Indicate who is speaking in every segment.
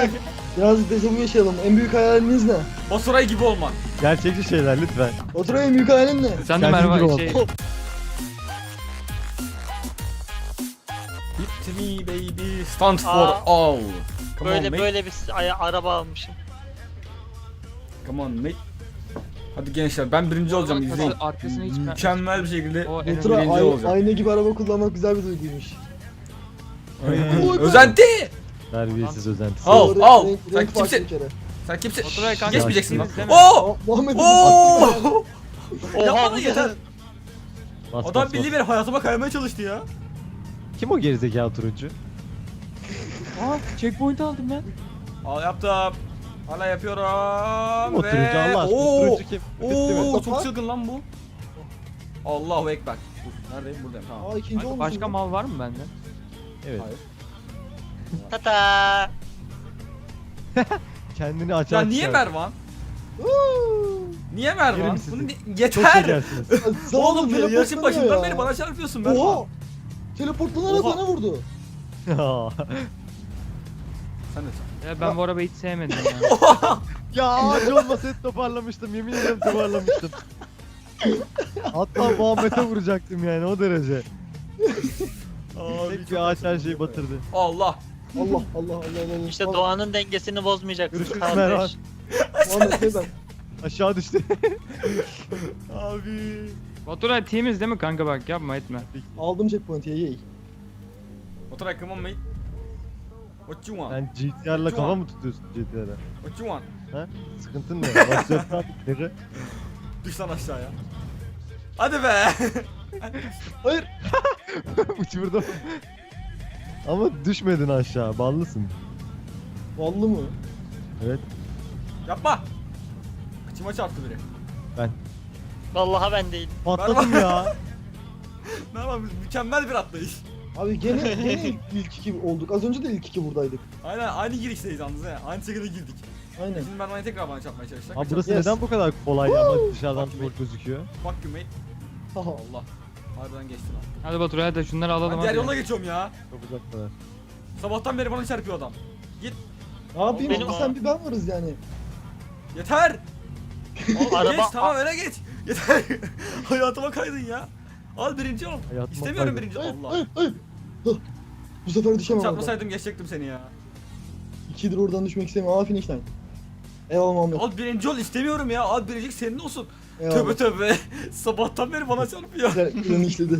Speaker 1: Biraz dejavu yaşayalım. En büyük hayaliniz ne?
Speaker 2: Baturay gibi olman.
Speaker 3: Gerçekçi şeyler lütfen.
Speaker 1: Baturay en büyük hayalin ne?
Speaker 4: Sen de
Speaker 3: Kendin gibi
Speaker 4: Merve
Speaker 3: ol.
Speaker 4: şey...
Speaker 2: Hit me baby, stand for
Speaker 5: Aa.
Speaker 2: all. Come on,
Speaker 5: Böyle
Speaker 2: mate.
Speaker 5: böyle bir araba almışım.
Speaker 2: Come on mate. Hadi gençler, ben birinci olacağım, izleyin.
Speaker 4: Arkasını hiç...
Speaker 2: Mükemmel bir şekilde
Speaker 4: O en
Speaker 1: Baturay
Speaker 2: birinci olacağım.
Speaker 1: ayna gibi araba kullanmak güzel bir duyguymuş.
Speaker 2: Aynen. Özenti!
Speaker 3: Terbiyesiz özentisi.
Speaker 2: Al,
Speaker 1: Renk-
Speaker 2: al.
Speaker 1: renk
Speaker 2: Sen
Speaker 1: farklı
Speaker 2: kimsin?
Speaker 1: bir kere.
Speaker 2: Sen kimsin?
Speaker 4: Baturay kanka,
Speaker 2: Geçmeyeceksin lan.
Speaker 4: ikiniz değil mi?
Speaker 2: Oo!
Speaker 1: Muhammed'in
Speaker 2: Oo!
Speaker 5: Oha
Speaker 2: Yapma
Speaker 5: bu
Speaker 2: yeter.
Speaker 3: Bas,
Speaker 2: Adam
Speaker 3: bas,
Speaker 2: bildiği
Speaker 3: bas.
Speaker 2: bir hayatıma kaymaya çalıştı ya.
Speaker 3: Kim o gerizekalı turuncu?
Speaker 4: Aa, checkpoint aldım ben.
Speaker 2: Al yaptım. Hala yapıyorum.
Speaker 3: Kim o turuncu Allah aşkına?
Speaker 2: Oo!
Speaker 3: Turuncu kim? Bitti mi?
Speaker 2: Oo, çok çılgın lan bu. Allahu ekber. Dur, neredeyim? Buradayım. Tamam.
Speaker 1: Aa ikinci
Speaker 4: Kanka,
Speaker 1: olmuşum.
Speaker 4: başka mal var mı bende?
Speaker 3: Evet.
Speaker 2: Hayır.
Speaker 5: Tata.
Speaker 3: Kendini açar.
Speaker 2: Ya niye Mervan? Niye
Speaker 3: Yerim
Speaker 2: Mervan?
Speaker 3: sizi.
Speaker 2: Bunu
Speaker 3: Çok
Speaker 2: yeter.
Speaker 3: şekersiniz.
Speaker 2: Oğlum ya, yarışın
Speaker 1: teleportlanıyor
Speaker 2: başından
Speaker 1: ya.
Speaker 2: beri bana çarpıyorsun Mervan.
Speaker 1: Oha! Teleportlanarak
Speaker 2: Oha.
Speaker 1: bana vurdu.
Speaker 2: Sen de çarp.
Speaker 4: Ya ben bu arabayı hiç sevmedim ya.
Speaker 3: Ya ağaç olmasaydı toparlamıştım. Yemin ederim toparlamıştım. Hatta Muhammed'e vuracaktım yani o derece.
Speaker 2: Abi,
Speaker 3: Tek bir ağaç her şeyi batırdı.
Speaker 2: Allah.
Speaker 1: Allah Allah Allah Allah.
Speaker 5: İşte doğanın dengesini bozmayacaksın
Speaker 3: Görüşürüz
Speaker 5: kardeş.
Speaker 3: Mervan.
Speaker 1: Muhammed neden?
Speaker 3: Aşağı düştü.
Speaker 2: Abi.
Speaker 4: Baturay temiz değil mi kanka, bak yapma etme.
Speaker 1: Aldım checkpoint'i yey.
Speaker 2: Oturay, come on mate. What you want?
Speaker 3: Sen GTR'la kafa mı tutuyorsun GTR'e?
Speaker 2: What you want?
Speaker 3: Sıkıntın ne? Basacak abi.
Speaker 2: Düş lan aşağıya. Hadi be.
Speaker 1: Hayır.
Speaker 3: Uçurdum. Ama düşmedin aşağı. Ballısın.
Speaker 1: Vallı mı?
Speaker 3: Evet.
Speaker 2: Yapma. Kıçıma çarptı biri.
Speaker 5: Vallahi ben değil.
Speaker 3: Patladım ya.
Speaker 2: Ne yapalım, mükemmel bir atlayış.
Speaker 1: Abi gene ilk iki olduk. Az önce de ilk iki buradaydık.
Speaker 2: Aynen, aynı girişteyiz yalnız he. Aynı şekilde girdik.
Speaker 1: Aynen.
Speaker 2: Şimdi ben tekrar bana çarpmaya çalışacak.
Speaker 3: Abi burası
Speaker 1: Yes.
Speaker 3: neden bu kadar kolay ama dışarıdan zor gözüküyor?
Speaker 2: Bak you mate.
Speaker 1: Haha.
Speaker 2: Allah. Harbiden geçti lan.
Speaker 4: Hadi Baturay, hadi şunları alalım
Speaker 2: Ben
Speaker 4: hadi.
Speaker 2: diğer yola geçiyorum ya.
Speaker 3: Çok uzaktalar.
Speaker 2: Sabahtan beri bana çarpıyor adam.
Speaker 1: Ne yapayım?
Speaker 5: Benim-
Speaker 1: Bir sen bir ben varız yani.
Speaker 2: Yeter. Al,
Speaker 5: Araba-
Speaker 2: geç tamam, öyle geç. Yeter. Hayatıma kaydın ya. Al birinci ol.
Speaker 3: Hayatıma
Speaker 2: İstemiyorum
Speaker 3: kaydın.
Speaker 2: birinci.
Speaker 1: Hayır,
Speaker 2: Allah.
Speaker 1: hayır, hayır. Hah. Bu sefer düşemem oradan.
Speaker 2: Çarpmasaydım geçecektim seni ya.
Speaker 1: 2'dir oradan düşmek istemiyorum. Aa finish line. Eyvallah Muhammed.
Speaker 2: Al birinci ol, istemiyorum ya. Al birinci senin olsun.
Speaker 1: Eyvallah.
Speaker 2: Tövbe tövbe. Sabahtan beri bana çarpıyor.
Speaker 1: Güzel planı işledi.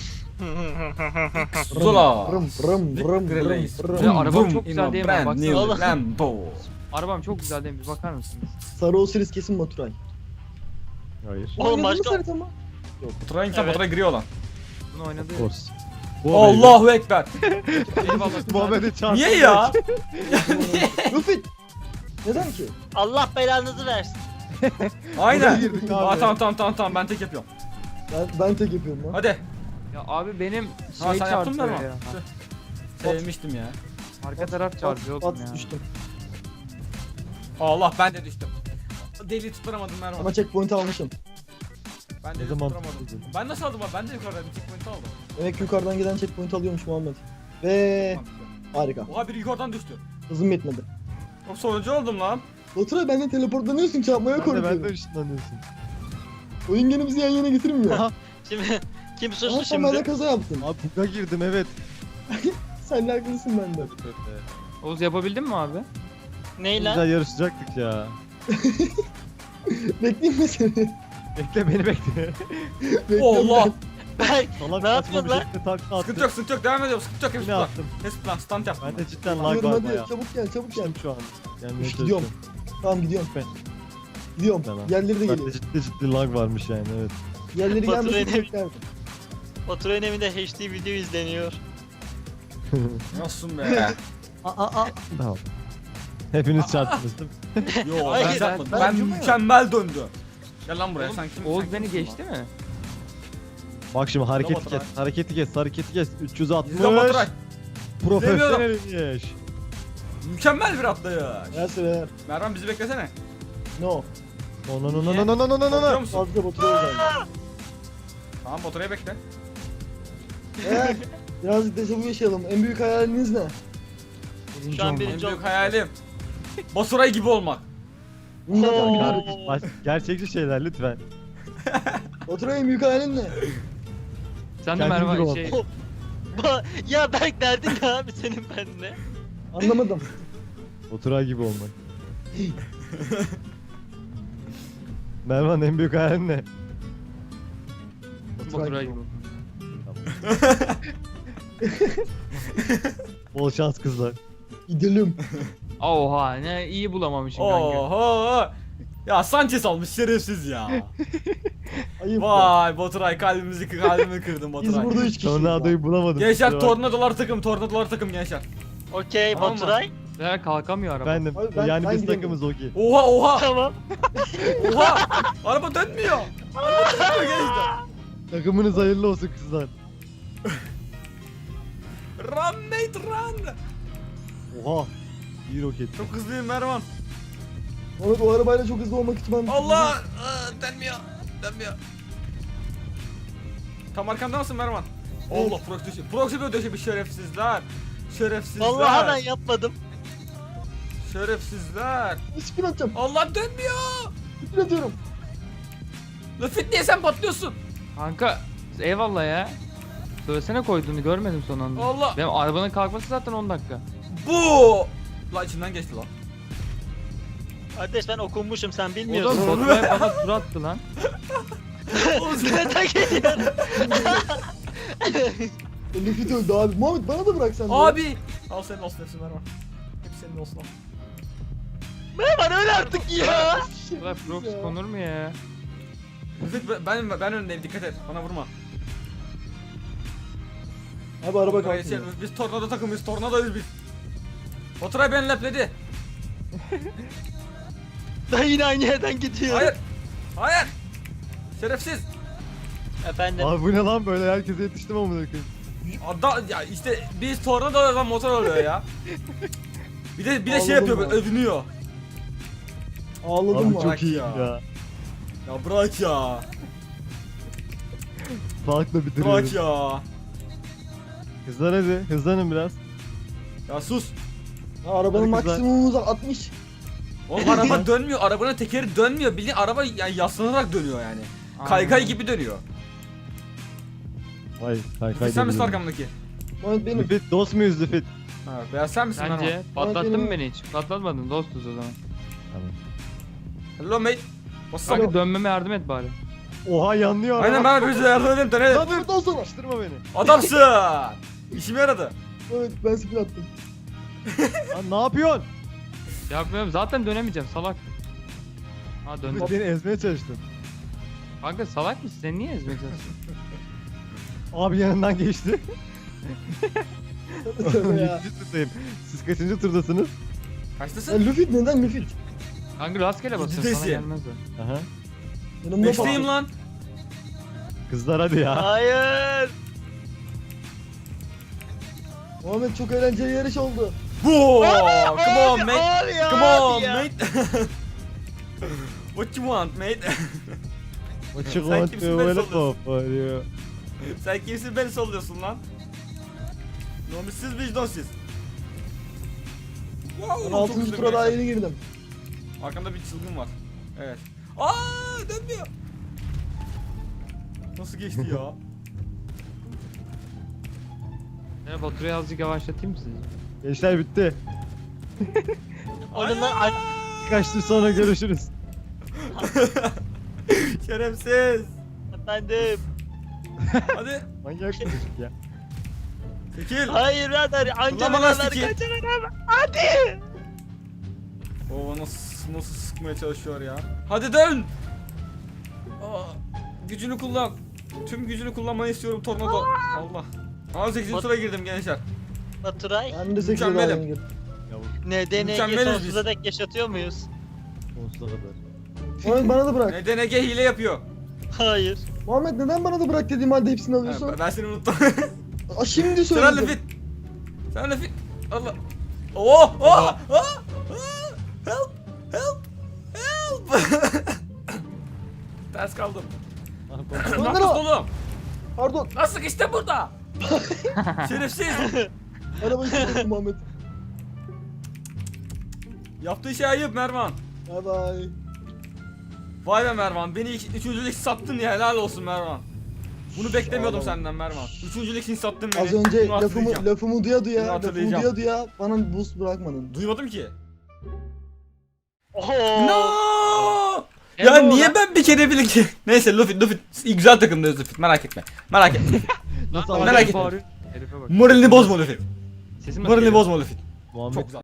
Speaker 2: Zola.
Speaker 1: Rım rım rım
Speaker 2: Release.
Speaker 1: rım
Speaker 4: Ya
Speaker 1: rım.
Speaker 4: arabam çok güzel değil mi?
Speaker 2: Brand
Speaker 4: Baksana.
Speaker 2: new
Speaker 5: Oğlum.
Speaker 2: Lambo.
Speaker 4: Arabam çok güzel değil mi? Bir bakar mısınız?
Speaker 1: Sarı Osiris kesin Baturay.
Speaker 3: Hayır.
Speaker 5: Oğlum
Speaker 1: Oynadın mı
Speaker 5: başka-
Speaker 1: Serhat ama?
Speaker 2: Oturan insan
Speaker 5: Evet.
Speaker 2: Baturay gri olan.
Speaker 4: Bunu oynadı.
Speaker 3: Of course.
Speaker 2: Allahu ekber.
Speaker 4: Eyvallah.
Speaker 3: Muhammed'e çarptı.
Speaker 2: Niye ya?
Speaker 1: Rufit. Neden ki?
Speaker 5: Allah belanızı versin.
Speaker 2: Aynen.
Speaker 3: Buraya girdik abi.
Speaker 2: Aa, tamam ben tek yapıyorum.
Speaker 1: Ben tek yapıyorum lan.
Speaker 2: Hadi.
Speaker 4: Ya abi benim
Speaker 2: Ha,
Speaker 4: şey
Speaker 2: sen yaptın mı
Speaker 4: çarpıyor
Speaker 2: ama?
Speaker 4: ya.
Speaker 2: Sevmiştim ya.
Speaker 4: Arka taraf çarpıyor oğlum ya.
Speaker 1: At düştüm.
Speaker 2: Allah, ben de düştüm. Deli tutturamadım Mervan.
Speaker 1: Ama checkpoint almışım.
Speaker 2: Ben de
Speaker 3: Ne zaman
Speaker 2: tutturamadım.
Speaker 3: tutturdun?
Speaker 2: Ben nasıl aldım abi? Ben de yukarıdan bir checkpoint aldım.
Speaker 1: Demek ki yukarıdan gelen checkpoint alıyormuş Muhammed. Ve harika.
Speaker 2: Oha, biri yukarıdan düştü.
Speaker 1: Hızım yetmedi.
Speaker 2: Çok sonuncu oldum lan.
Speaker 1: Baturay benden teleportlanıyorsun, çarpmaya
Speaker 3: Ben de
Speaker 1: korkuyorum.
Speaker 3: ışınlanıyorsun.
Speaker 1: Oyun gene bizi yan yana getirmiyor.
Speaker 3: Aha.
Speaker 5: Şimdi kim
Speaker 1: Ama
Speaker 5: suçlu
Speaker 1: sen bende
Speaker 5: şimdi?
Speaker 1: kaza yaptın.
Speaker 3: Abi buga girdim evet.
Speaker 1: Sen de haklısın bende.
Speaker 4: Oğuz yapabildin mi abi?
Speaker 5: Ney lan?
Speaker 3: Güzel yarışacaktık ya.
Speaker 1: Bekleyeyim mi seni?
Speaker 3: Bekle beni bekle.
Speaker 1: Bekliyorum
Speaker 2: Allah.
Speaker 1: ben.
Speaker 5: Berk
Speaker 3: Salak
Speaker 5: Ne
Speaker 3: saçma
Speaker 5: yapıyorsun
Speaker 3: bir
Speaker 5: lan?
Speaker 3: şekilde takla
Speaker 2: Sıkıntı yok,
Speaker 3: attım.
Speaker 2: sıkıntı yok. Devam ediyorum. Sıkıntı yok. Hepsi
Speaker 3: Yine
Speaker 2: plan.
Speaker 3: attım.
Speaker 2: Hepsi plan. Stunt yaptım.
Speaker 3: Ben de cidden lag
Speaker 1: Gidiyorum
Speaker 3: var
Speaker 1: hadi,
Speaker 3: baya.
Speaker 1: çabuk gel, çabuk gel.
Speaker 3: Düştüm şu an. Gelmeye
Speaker 1: Gidiyorum.
Speaker 3: çalışıyorum.
Speaker 1: Tamam gidiyorum.
Speaker 3: Ben.
Speaker 1: Gidiyorum.
Speaker 3: Tamam.
Speaker 1: Yerleri de
Speaker 3: Ben de
Speaker 1: geliyor.
Speaker 3: ciddi lag varmış yani evet.
Speaker 1: Yerleri
Speaker 5: Baturay'ın
Speaker 1: gelmesi
Speaker 5: evi-
Speaker 1: beklerdim.
Speaker 5: Baturay'ın evinde HD video izleniyor.
Speaker 2: Nasılsın be?
Speaker 3: Tamam. Hepiniz çarptınız değil mi?
Speaker 2: Yo,
Speaker 5: Hayır,
Speaker 2: ben çarpmadım.
Speaker 1: ben
Speaker 2: Ben
Speaker 1: acımıyorum.
Speaker 2: mükemmel döndü. Gel lan buraya.
Speaker 4: Oğlum,
Speaker 2: Sen kim?
Speaker 4: Oğuz
Speaker 2: sen
Speaker 4: beni
Speaker 2: kimsin
Speaker 4: geçti
Speaker 2: lan?
Speaker 4: mi?
Speaker 3: Bak şimdi hareketi
Speaker 2: Bravo,
Speaker 3: kes,
Speaker 2: Baturay.
Speaker 3: hareketi kes. 360.
Speaker 2: İzle Baturay.
Speaker 3: Profesyonel iş.
Speaker 2: Mükemmel bir atlayış.
Speaker 1: Neyse be.
Speaker 2: Mervan, bizi beklesene.
Speaker 1: No.
Speaker 3: No.
Speaker 2: Korkuyor musun?
Speaker 1: Fazla Baturay özeldi.
Speaker 2: Tamam, Baturay'ı bekle.
Speaker 1: Birazcık dejavu yaşayalım. En büyük hayaliniz ne?
Speaker 5: Şu an
Speaker 2: En
Speaker 5: birinci
Speaker 2: büyük
Speaker 5: oldum.
Speaker 2: hayalim Baturay gibi olmak.
Speaker 1: Bunu zaten
Speaker 5: Oo.
Speaker 1: biliyoruz.
Speaker 3: Gerçekçi şeyler lütfen.
Speaker 1: Baturay en büyük hayalin ne?
Speaker 4: Sen de
Speaker 3: Kendin gibi
Speaker 4: Mervan
Speaker 3: ol.
Speaker 4: şey
Speaker 5: Ya Berk derdin ne abi senin benimle?
Speaker 1: Anlamadım.
Speaker 3: Oturay gibi olmak. Mervan en büyük hayalin ne?
Speaker 4: Baturay gibi.
Speaker 3: Bol şans kızlar.
Speaker 1: Gidelim.
Speaker 4: Oha ne iyi bulamamışsın kanka.
Speaker 2: Oho. Ya Sanchez almış şerefsiz ya.
Speaker 1: Ayıp. ya.
Speaker 2: Vay Baturay kalbimi kırdın
Speaker 1: Biz
Speaker 2: Baturay.
Speaker 1: burada 3 kişiyiz.
Speaker 3: Tornadoyu bulamadım.
Speaker 2: Gençler
Speaker 3: kusura bakma.
Speaker 2: tornadolar takım gençler.
Speaker 5: Okey
Speaker 2: Tamam mı?
Speaker 5: Baturay.
Speaker 4: Ya kalkamıyor araba.
Speaker 3: Efendim
Speaker 1: Abi
Speaker 3: yani
Speaker 1: ben
Speaker 3: biz
Speaker 1: gidelim.
Speaker 3: takımız Ogi.
Speaker 2: Oha.
Speaker 5: Tamam.
Speaker 2: Oha. Araba dönmüyor. Araba dönmüyor gençler.
Speaker 3: Takımınız hayırlı olsun kızlar.
Speaker 2: Run mate run.
Speaker 3: Oha. İyi roket.
Speaker 2: Çok hızlıyım Mervan.
Speaker 1: Muhammed o arabayla çok hızlı olmak ihtimali.
Speaker 2: Allah. Dönmüyor. Tam arkanda mısın Mervan?
Speaker 1: Evet.
Speaker 2: Allah proxy böyle döşemiş şerefsizler. Şerefsizler.
Speaker 5: Vallahi ben yapmadım.
Speaker 2: Şerefsizler.
Speaker 1: Spin atacağım.
Speaker 2: Allah dönmüyor.
Speaker 1: Spin atıyorum.
Speaker 2: Lafit niye sen patlıyorsun?
Speaker 4: Kanka eyvallah ya. Söylesene koyduğunu görmedim son anda.
Speaker 2: Allah.
Speaker 4: Benim arabanın kalkması zaten 10 dakika.
Speaker 2: Bu. La içinden geçti lan.
Speaker 5: Kardeş ben okunmuşum sen
Speaker 4: O da
Speaker 5: bilmiyorsun.
Speaker 4: Baturay bana tur attı lan.
Speaker 5: Neden geliyorum?
Speaker 1: Lüfit öldü abi. Muhammed bana da bırak sen de.
Speaker 2: Abi. Al senin olsun hepsi Mervan. Hepsi senin olsun al.
Speaker 5: Merhaba öyle artık ya.
Speaker 4: Baturay proxy konur mu ya?
Speaker 2: Lüfit ben önündeyim dikkat et. Bana vurma.
Speaker 1: Abi araba
Speaker 2: Baturay,
Speaker 1: kalkıyor.
Speaker 2: biz tornado takımıyız. Tornadoyuz biz. Baturay beni lepledi.
Speaker 5: Ben yine aynı yerden gidiyorum.
Speaker 2: Hayır. Hayır. Şerefsiz.
Speaker 5: Efendim.
Speaker 3: Abi bu ne lan böyle herkese yetiştim amına koyayım.
Speaker 2: Ya işte biz tornadolardan motor oluyor ya. Bir de
Speaker 1: Ağladım
Speaker 2: şey yapıyor
Speaker 1: ya.
Speaker 2: böyle övünüyor.
Speaker 1: Ağladım
Speaker 3: Abi
Speaker 1: mı?
Speaker 3: çok
Speaker 2: Bırak
Speaker 3: iyi
Speaker 2: ya.
Speaker 3: ya.
Speaker 2: Ya bırak ya.
Speaker 3: Farklı bitiriyoruz.
Speaker 2: Bırak ya.
Speaker 3: Kızlar hadi hızlanın biraz.
Speaker 2: Ya sus.
Speaker 1: Ha, arabanın
Speaker 3: Hadi kızlar.
Speaker 1: maksimum hızı 60.
Speaker 2: Oğlum araba dönmüyor. Arabanın tekeri dönmüyor. Bildiğin araba yani yaslanarak dönüyor yani. Kaykay gibi dönüyor.
Speaker 3: Hayır kaykay
Speaker 2: Lüfit sen misin
Speaker 3: demiyorum.
Speaker 2: arkamdaki?
Speaker 1: Muhammed benim.
Speaker 3: Lüfit dost muyuz Lüfit?
Speaker 2: Ha, beyaz sen misin lan
Speaker 4: Sence
Speaker 2: o?
Speaker 4: patlattın
Speaker 1: benim-
Speaker 4: mı beni hiç? Patlatmadın dostuz o zaman.
Speaker 3: Tamam.
Speaker 2: Hello mate. What's
Speaker 4: Kanka
Speaker 2: up?
Speaker 4: dönmeme yardım et bari.
Speaker 3: Oha yanlıyor
Speaker 2: Aynen ben bize yardım edeyim dönelim.
Speaker 1: Lan buradan sonra.
Speaker 3: Açtırma beni.
Speaker 2: Adamsın. İşime yaradı.
Speaker 1: Evet ben spin attım.
Speaker 3: Lan ne yapıyorsun?
Speaker 4: Yapmıyorum zaten dönemeyeceğim salak. Ha döndüm.
Speaker 3: Lüfit beni ezmeye çalıştın.
Speaker 4: Kanka salak mısın? Sen niye ezmeye çalışıyorsun?
Speaker 3: Abi yanından geçti.
Speaker 1: Tövbe ya.
Speaker 3: 7. turdayım. Siz kaçıncı turdasınız?
Speaker 1: Ya
Speaker 2: Kaçtasın?
Speaker 1: Lüfit neden Lüfit?
Speaker 4: Kanka rastgele basıyorsun sana
Speaker 2: Ciddisin.
Speaker 4: gelmez o.
Speaker 3: Aha.
Speaker 1: Yanımda
Speaker 2: Beşteyim
Speaker 1: patladı.
Speaker 2: lan.
Speaker 3: Kızlar hadi ya.
Speaker 5: Hayır.
Speaker 1: Muhammed çok eğlenceli yarış oldu.
Speaker 2: Bu. Come on
Speaker 5: Abi,
Speaker 2: mate.
Speaker 5: abi ya,
Speaker 2: Come
Speaker 5: abi
Speaker 2: on
Speaker 5: ya.
Speaker 2: mate. What you want mate?
Speaker 3: What you
Speaker 2: Sen
Speaker 3: want
Speaker 2: kimsin,
Speaker 3: to
Speaker 2: beni
Speaker 3: win
Speaker 2: sallıyorsun?
Speaker 3: for you?
Speaker 2: Sen kimsin beni sallıyorsun lan? Nomussuz vicdansız. Wow,
Speaker 1: Ben
Speaker 2: çok
Speaker 1: 6.
Speaker 2: hızlı
Speaker 1: tura daha
Speaker 2: gençler.
Speaker 1: yeni girdim.
Speaker 2: Arkamda bir çılgın var. Evet. Aa dönmüyor. Nasıl geçti ya?
Speaker 4: Ya Baturay'ı azıcık yavaşlatayım mı sizi?
Speaker 3: Gençler bitti.
Speaker 5: Onunla
Speaker 2: Ay!
Speaker 3: Birkaç tur sonra görüşürüz.
Speaker 2: Şerefsiz.
Speaker 5: efendim.
Speaker 2: Hadi.
Speaker 3: Manyak bir çocuk ya.
Speaker 2: Çekil.
Speaker 5: Hayır birader anca
Speaker 2: Kullanma
Speaker 5: beraber
Speaker 2: lastiği.
Speaker 5: kaçarak abi. Hadi.
Speaker 2: Oo nasıl sıkmaya çalışıyor ya. Hadi dön. Aa, gücünü kullan. Tüm gücünü kullanmanı istiyorum tornado. Allah. 18. tura girdim gençler.
Speaker 5: Baturay.
Speaker 1: Ben de 8 daha
Speaker 2: Mükemmelim.
Speaker 1: yeni girdim.
Speaker 3: Yavuz
Speaker 5: NDNG
Speaker 2: Mükemmeliz biz.
Speaker 5: sonsuza dek yaşatıyor muyuz?
Speaker 3: sonsuza kadar.
Speaker 1: Muhammed bana da bırak.
Speaker 2: NDNG hile yapıyor.
Speaker 5: Hayır.
Speaker 1: Muhammed neden bana da bırak dediğim halde hepsini alıyorsun?
Speaker 2: Ben seni unuttum.
Speaker 1: Aa, şimdi
Speaker 2: Sen
Speaker 1: söyledim.
Speaker 2: Lefit. Sen Lefit. Allah. Oh, oh, oh, help, help, help. Ters kaldım. Ne
Speaker 1: Önder
Speaker 2: yapıyorsun
Speaker 1: o.
Speaker 2: oğlum?
Speaker 1: Pardon.
Speaker 2: Nasıl işte burada? Şerefsiz.
Speaker 1: Arabayı sıkıştırdım Muhammed.
Speaker 2: Yaptığı şey ayıp Mervan.
Speaker 1: Bay bay.
Speaker 2: Vay be Mervan, beni üçüncülük sattın ya, helal olsun Mervan. Bunu beklemiyordum
Speaker 1: Ağlama.
Speaker 2: senden Mervan. Üçüncülük için sattın beni.
Speaker 1: Az önce
Speaker 2: Bunu hatırlayacağım.
Speaker 1: lafımı duya
Speaker 2: Bunu
Speaker 1: duya, lafımı
Speaker 2: hatırlayacağım.
Speaker 1: duya duya bana boost bırakmadın.
Speaker 2: Duymadım ki.
Speaker 5: Oho.
Speaker 2: No!
Speaker 5: Hello
Speaker 2: Ya niye
Speaker 5: lan.
Speaker 2: ben bir kere bile ki? Neyse Luffy güzel takımdayız Luffy, merak etme. Merak etme.
Speaker 3: Nasıl
Speaker 2: Merak
Speaker 3: ağzını
Speaker 2: etme.
Speaker 3: bağırıyor?
Speaker 4: Herife bak.
Speaker 2: Moralini bozma Luffy.
Speaker 4: Sesim nasıl
Speaker 2: Moralini
Speaker 4: geliyor?
Speaker 2: bozma Luffy.
Speaker 3: Muhammed
Speaker 2: Çok güzel.